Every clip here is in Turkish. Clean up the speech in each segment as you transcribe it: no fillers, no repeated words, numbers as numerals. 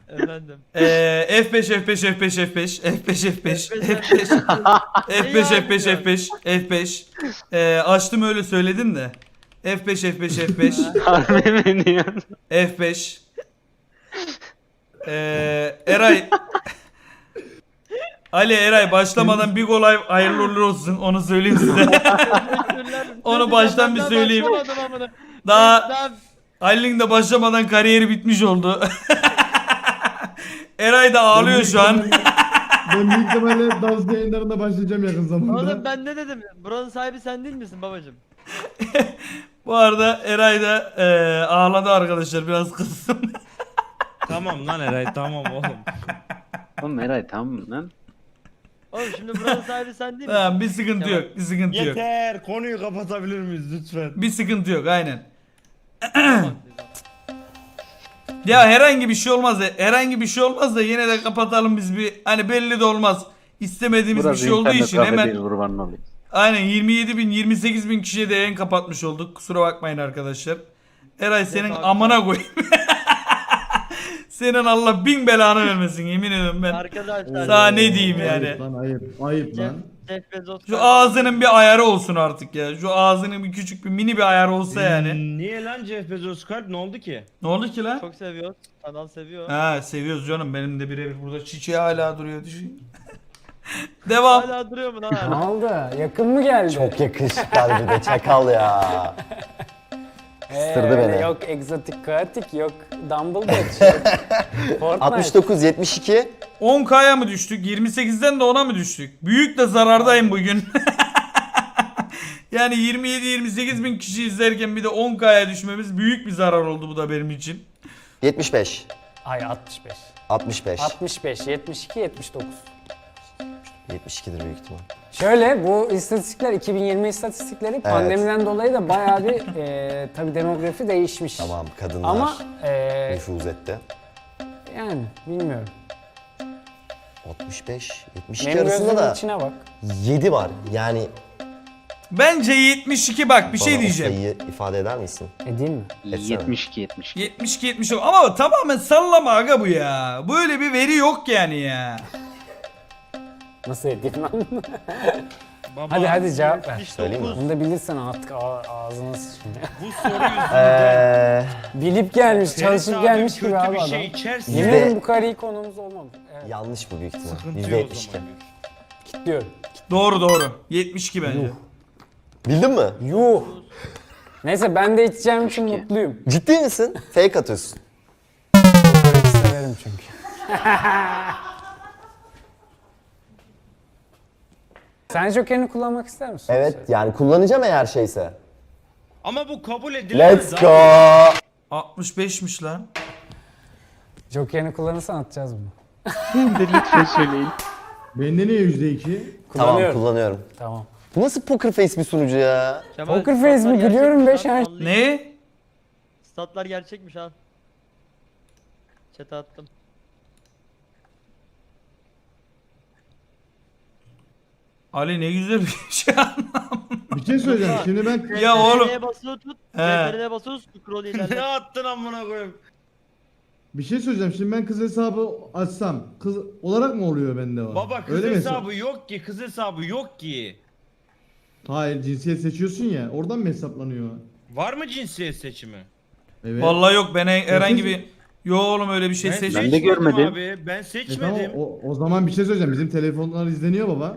Efendim. F5 F5 F5 F5 F5 F5 F5 F5 F5 F5 F5 açtım öyle söyledin de F5 F5 F5 Harbi mi diyorsun? F5 Eray Ali Eray başlamadan bir gol hayırlı uğurlu olsun onu söyleyeyim size. Onu baştan bir söyleyeyim. Daha Ali'nin de başlamadan kariyeri bitmiş oldu. Eray da ağlıyor şu an. Ben büyük ihtimalle dans yayınlarında başlayacağım yakın zamanda. Oğlum ben ne dedim? Buranın sahibi sen değil misin babacım? Bu arada Eray da ağladı arkadaşlar biraz kızsın. Tamam lan Eray tamam oğlum. Oğlum Eray tamam lan. Oğlum şimdi buranın sahibi sen değil misin? Tamam bir sıkıntı yok. Bir sıkıntı yok. Yeter konuyu kapatabilir miyiz lütfen? Bir sıkıntı yok aynen. Tamam. Ya herhangi bir şey olmaz da herhangi bir şey olmaz da yine de kapatalım biz bir hani belli de olmaz. İstemediğimiz bir şey olduğu için hemen kurbanın olayım. aynen 27 bin 28 bin kişiye de yayın kapatmış olduk. Kusura bakmayın arkadaşlar. Eray senin abi. amına koyayım. Senin Allah bin belanı vermesin yemin ediyorum ben. Arkadaşlar. Sana ne diyeyim yani. Ayıp lan ayıp. Ayıp Jeff, lan. Jeff Bezos. Şu ağzının bir ayarı olsun artık ya. Şu ağzının bir küçük bir mini bir ayarı olsa yani. Niye lan Jeff Bezos kalp ne oldu ki? Ne oldu ki lan? Çok seviyoruz. Kanal seviyor. Ha seviyoruz canım. Benim de birebir burada çiçeği hala duruyor düşün. Devam. Hala duruyor mu lan Ne hala? oldu? Yakın mı geldi? Çok yakışıklı bir de çakal ya. Isırdı öyle beni. Yok egzotik kaotik, yok Dumbledore, yok Fortnite. 69 72 10K'ya mı düştük? 28'den de 10'a mı düştük? Büyük de zarardayım bugün. Yani 27-28 bin kişi izlerken bir de 10K'ya düşmemiz büyük bir zarar oldu bu da benim için. 75 Ay 65. 65 65, 72, 79. 72'dir büyük ihtimal. Şöyle bu istatistikler 2020 istatistikleri pandemiden dolayı da bayağı bir tabii demografi değişmiş. Tamam kadınlar Ama nüfuz etti. yani bilmiyorum. 65 72 Benim arasında gözümün da içine bak. 7 var. Yani Bence 72 bak bir bana şey o diyeceğim. sayıyı ifade eder misin? Edeyim mi? Etsene. 72 72. 72 ama tamamen sallama aga bu ya. Böyle bir veri yok yani ya. Nasıl edeyim lan? Baba, hadi cevap ver. Söyleyeyim mi? Bunu da bilirsen artık ağzına sıçayım. Bu soru yüzünden Bilip gelmiş, çalışıp Ferit gelmiş abim gibi kötü abi bir adam. şey içerse Yemin ederim bu kadar iyi konumuz olmadı. Evet. Yanlış bu büyük ihtimal. sıkıntı yok o %72. zaman. Kilitliyorum. Doğru. 72 bence. Bildin mi? Yuh. Neyse ben de içeceğim için mutluyum. Ciddi misin? Fake atıyorsun. Kokoreç severim çünkü. Sen Joker'ini kullanmak ister misin? Evet yani kullanacağım eğer şeyse. Ama bu kabul edilemez. Let's abi. go. 65'miş lan. Joker'ini kullanırsan atacağız bunu. Lütfen söyleyin. Bende niye %2? Tamam Kullanıyorum. kullanıyorum. Tamam. Bu nasıl poker face bir sunucu ya? Kemal, Poker statlar face mi? gerçekmiş Gülüyorum be lan, şahit. anlayın. Ne? Statlar gerçekmiş ha. Chat'e attım. Ali ne güzel bir şey Bir şey söyleyeceğim. Şimdi ben Ya oğlum. CTRL'ye basılı tut. He. CTRL'ye basılı tut. Scroll Ne ilerle. attın amına koyayım? bir şey söyleyeceğim. Şimdi ben kız hesabı açsam kız olarak mı oluyor bende o? Baba kız Öyle mi hesabı yok ki, kız hesabı yok ki. Hayır cinsiyet seçiyorsun ya. Oradan mı hesaplanıyor? Var mı cinsiyet seçimi? Evet. Vallahi yok ben herhangi bir... Yo oğlum öyle bir şey Ben seçmedim. de görmedim. Abi. Ben E tamam, seçmedim. o zaman bir şey söyleyeceğim. Bizim telefonlar izleniyor baba.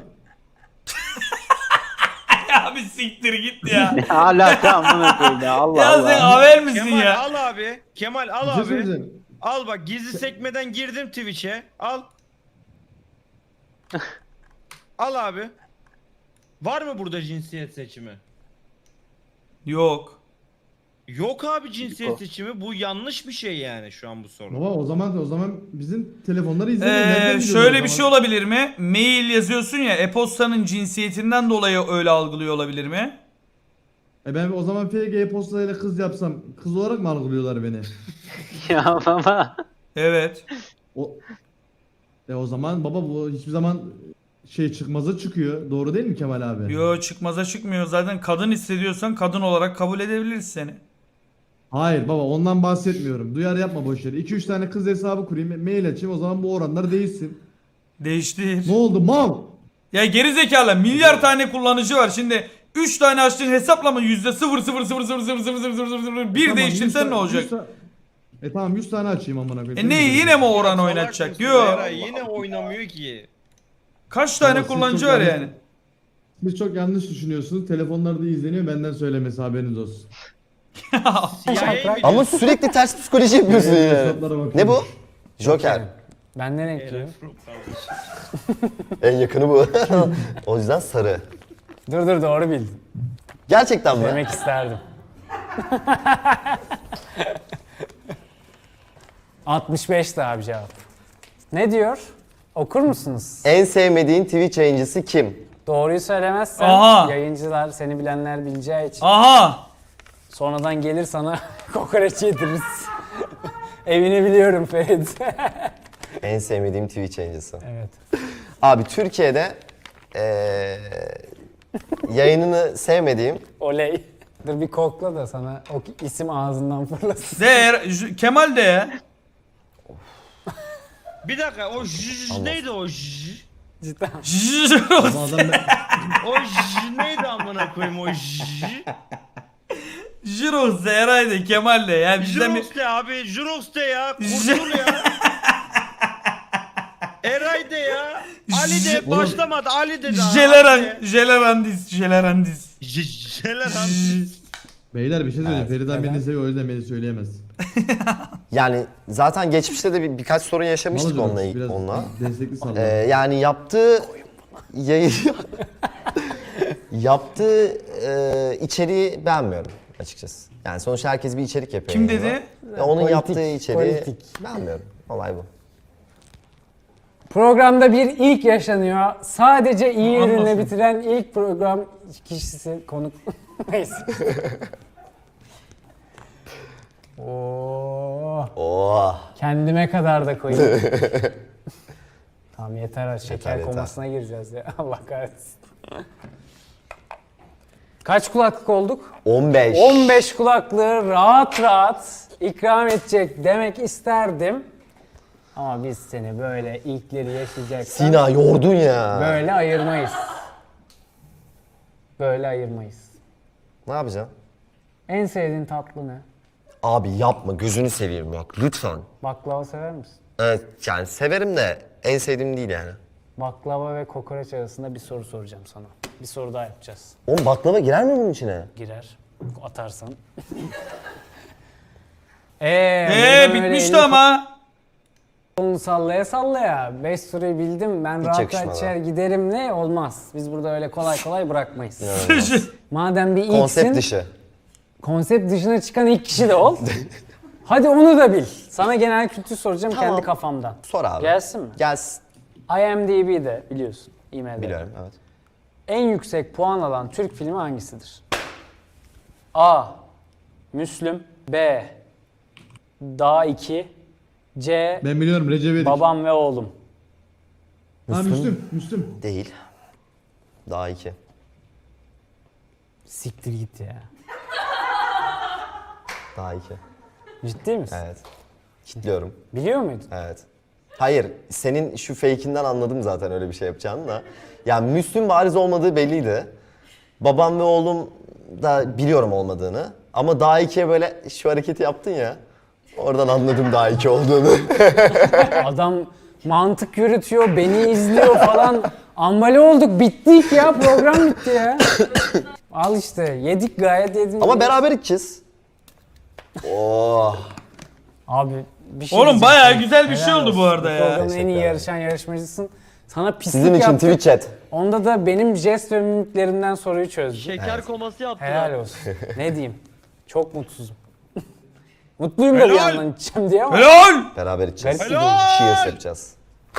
Ya bir siktir git ya. Hala tamam koyayım ya Allah Ya sen Allah. haber misin Kemal ya? al abi. Kemal Bir al şey abi. söyleyeceğim. Al bak gizli sekmeden girdim Twitch'e. Al. Al abi. Var mı burada cinsiyet seçimi? Yok. Yok abi cinsiyet Yok. seçimi. Bu yanlış bir şey yani şu an bu soru. Baba o zaman bizim telefonları izleniyor. Nereden biliyorsun Şöyle o bir şey zaman? olabilir mi? Mail yazıyorsun ya e-postanın cinsiyetinden dolayı öyle algılıyor olabilir mi? Ben o zaman FG e-postayla kız yapsam kız olarak mı algılıyorlar beni? Ya baba. Evet. O zaman baba bu hiçbir zaman şey çıkmaza çıkıyor. Doğru değil mi Kemal abi? Yo çıkmaza çıkmıyor. Zaten kadın hissediyorsan kadın olarak kabul edebiliriz seni. Hayır baba ondan bahsetmiyorum. Duyar yapma boş yere. 2-3 tane kız hesabı kurayım, mail açayım, o zaman bu oranlar değişsin. Değiştir. Ne oldu mal? Ya geri zekalı milyar tane kullanıcı var. Şimdi 3 tane açtığın hesapla mı %0,000000001 Tamam, değiştirsen ne olacak? Tamam 100 tane açayım amına koyayım. Ne yine mi oran oynatacak? Salak Yo. mısın Eray? Yine oynamıyor ki. Kaç tane Ama siz kullanıcı çok var yanlış- yani? Siz çok yanlış düşünüyorsunuz. Telefonlarda izleniyor, benden söylemesi, haberiniz olsun. CIA'ya mı Ama sürekli ters psikoloji yapıyorsun ya. Hesaplara bakıyorum. Ne bu? Joker. Ben ne renkliyim? En yakını bu. O yüzden sarı. Dur doğru bildin. Gerçekten mi? Demek isterdim. 65 de abi cevap. Ne diyor? Okur musunuz? En sevmediğin Twitch yayıncısı kim? Doğruyu söylemezsen Aha. yayıncılar seni bilenler bileceği için Aha. sonradan gelir sana kokoreç yediririz. Evini biliyorum Ferit. En sevmediğim Twitch yayıncısı. Evet. Abi Türkiye'de yayınını sevmediğim Oley. Dur bir kokla da sana o isim ağzından fırlasın. Kemal de ya. Bir dakika o neydi o Cidden. Bu adam O neydi amına koyayım o Jirox de Eray de Kemal de yani bizden bir... Jurox de abi Jurox de ya kurtul ya. Eray de ya. Ali de başlamadı Ali de daha. Jelerandis. Beyler bir şey söyleyeyim. Evet, Feriden beni seviyor, o yüzden beni söyleyemez. yani zaten geçmişte de birkaç sorun yaşamıştık Malıcı onunla. biraz onunla. destekli salla. Yani yaptığı yayın yaptığı içeriği beğenmiyorum açıkçası. Yani sonuçta herkes bir içerik yapıyor. Kim yayında. dedi? Ve onun Politik, yaptığı içeriği politik. beğenmiyorum. Olay bu. Programda bir ilk yaşanıyor. Sadece iyi ürünle Anlasın. bitiren ilk program kişisi konuk. Neyse. Oo, Oh. kendime kadar da koyayım. Tamam yeter şeker yeter. komasına gireceğiz ya. Allah kahretsin. Kaç kulaklık olduk? 15. 15 kulaklığı rahat ikram edecek demek isterdim. Ama biz seni böyle ilkleri yaşayacaksan Sina yordun ya. böyle ayırmayız. Böyle ayırmayız. Ne yapacaksın? En sevdiğin tatlı ne? Abi yapma gözünü seveyim bak lütfen. Baklava sever misin? Evet yani severim de en sevdiğim değil yani. Baklava ve kokoreç arasında bir soru soracağım sana. Bir soru daha yapacağız. Oğlum baklava girer mi bunun içine? Girer. Atarsan. burada böyle Bitmişti elini ama. kolunu sallaya sallaya. 5 soruyu bildim. Ben rahat yakışmadı. rahat içer giderim ne? Olmaz. Biz burada öyle kolay kolay bırakmayız. Madem bir ilksin. Konsept dışı. Konsept dışına çıkan ilk kişi de ol. Hadi onu da bil. Sana genel kültür soracağım Tamam. kendi kafamdan. Sor abi. Gelsin mi? Gelsin. IMDb'de biliyorsun. IMDb. Biliyorum evet. En yüksek puan alan Türk filmi hangisidir? A. Müslüm. B. Dağ 2. C. Ben biliyorum, Recep İvedik. Babam ve oğlum. Ha Müslüm. Değil. Daha 2. Siktir git ya. Daha 2. Ciddi misin? Evet. Kitliyorum. Biliyor muydun? Evet. Hayır, senin şu fake'inden anladım zaten öyle bir şey yapacağını da. Yani Müslüm bariz olmadığı belliydi. Babam ve oğlum da biliyorum olmadığını. Ama daha ikiye böyle şu hareketi yaptın ya. Oradan anladım daha iki olduğunu. Adam mantık yürütüyor, beni izliyor falan. Ambale olduk, bittik ya. Program bitti ya. Al işte, yedik gayet yedik. Ama beraber içeceğiz. Oh. Abi bir şey Oğlum diyeceğim. bayağı güzel bir şey Helal oldu bu olsun. arada ya. Programın en iyi Teşekkür yarışan yarışmacısın. Sana pislik Sizin için yaptık. Twitch chat. Onda da benim jest ve mimiklerimden soruyu çözdüm. Şeker koması yaptılar. Helal olsun. Ne diyeyim? Çok mutsuzum. Mutluyum da bir Helal. yandan içeceğim diye ama. Helal. Beraber içeceğiz. Garip Helal. Cheers yapacağız.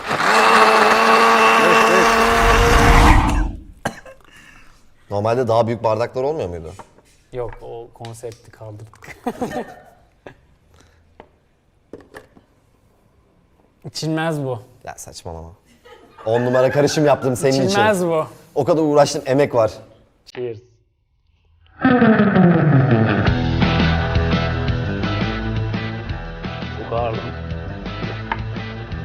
Normalde daha büyük bardaklar olmuyor muydu? Yok o konsepti kaldırdık. İçilmez bu. Ya saçmalama. 10 numara karışım yaptım senin için. İçilmez bu. O kadar uğraştın, emek var. Cheers.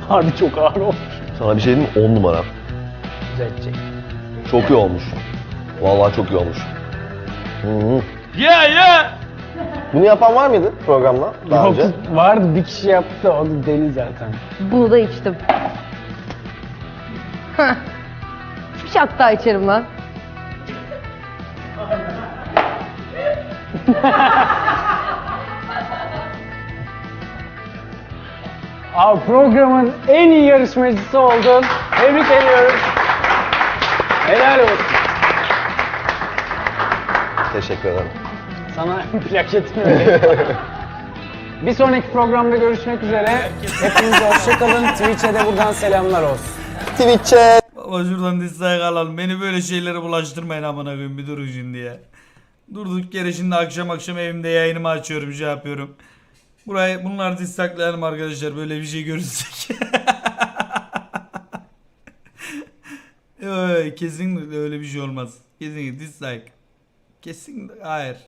Harbi çok ağır olmuş. Sana bir şey diyeyim mi? 10 numara. Düzeltecek. Çok iyi olmuş. Vallahi çok iyi olmuş. Hı-hı. Ya. Bunu yapan var mıydı programda daha önce? Yok, vardı bir kişi yaptı da o da deli zaten. Bunu da içtim. Heh. Bir şat daha içerim lan. Abi programın en iyi yarışmacısı oldun. Tebrik ediyorum. Helal olsun. Teşekkür ederim. Sana plaketini vereyim. Bir sonraki programda görüşmek üzere. Hepinize hoşçakalın. Twitch'e de buradan selamlar olsun. Twitch'e. Baba şuradan dislike alalım. Beni böyle şeylere bulaştırmayın amına koyayım, bir durun şimdi ya. Durduk yere şimdi akşam evimde yayınımı açıyorum, şey yapıyorum. Bunlar dislike'layalım arkadaşlar, böyle bir şey görürsek. Kesinlikle öyle bir şey olmaz. Kesinlikle dislike. Kesinlikle hayır.